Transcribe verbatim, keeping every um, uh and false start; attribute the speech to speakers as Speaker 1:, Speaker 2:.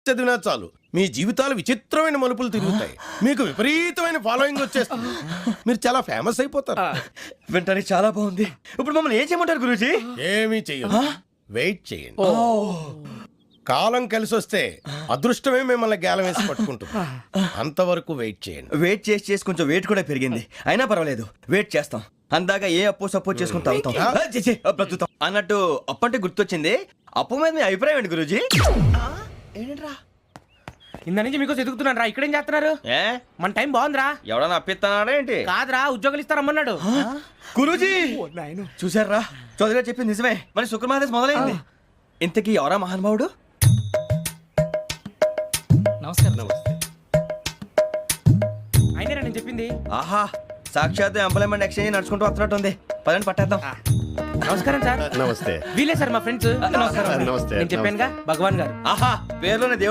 Speaker 1: చదివినా చాలు మీ జీవితాలు విచిత్రమైన మలుపులు తిరుగుతాయి. మీకు విపరీతమైన ఫాలోయింగ్ వచ్చేస్తుంది. మీరు చాలా ఫేమస్ అయిపోతారు.
Speaker 2: వింటానికి చాలా బాగుంది. ఇప్పుడు మమ్మల్ని ఏం చేయమంటారు గురూజీ?
Speaker 1: ఏమీ చెయ్యదు, వెయిట్ చేయండి. కాలం కలిసి వస్తే అదృష్టమే మిమ్మల్ని గేలం వేసి పట్టుకుంటుంది. అంతవరకు వెయిట్ చేయండి.
Speaker 2: వెయిట్ చేసి చేసి కొంచెం వెయిట్ కూడా పెరిగింది. అయినా పర్వాలేదు, వెయిట్ చేస్తాం. అందాక ఏ అప్పు సపోర్ట్ చేసుకుని తాగుతాం. ఆ, ఛీ, ఛీ, ఆ, బ్రతుకుతాం అన్నట్టు. అప్పు అంటే గుర్తొచ్చింది. అప్పు మీద మీ అభిప్రాయం ఏంటి గురూజీ? ఏంటరా
Speaker 3: ఇంత నుంచి మీకు ఎదుగుతున్నాను రా. ఇక్కడేం చేస్తున్నారు?
Speaker 2: ఏ
Speaker 3: మన టైం బాగుందిరా.
Speaker 2: ఎవడన్నా అప్పిస్తున్నాడా ఏంటి?
Speaker 3: కాదురా, ఉద్యోగాలు ఇస్తారమ్మన్నాడు.
Speaker 2: గురూజీ చూసారా, చౌదరిగా చెప్పింది నిజమే. మరి శుక్రమాదేశ్ మొదలైంది. ఇంతకీ ఎవరా మహానుభావుడు?
Speaker 3: నమస్కారం. అయినా నేను చెప్పింది.
Speaker 2: ఆహా, సాక్షాత్ ఎంప్లాయ్మెంట్ ఎక్స్చేంజ్ నడుచుకుంటూ వస్తున్నట్టు ఉంది. పదండి పట్టేద్దాం.
Speaker 3: నమస్కారం సార్.
Speaker 4: నమస్తే.
Speaker 3: వీలే సార్ మా ఫ్రెండ్స్.
Speaker 2: నమస్కారం.
Speaker 4: నమస్తే.
Speaker 3: నేను చెప్పానుగా, భగవాన్ గారు.
Speaker 2: ఆహా, పేర్లోనే దేవుడు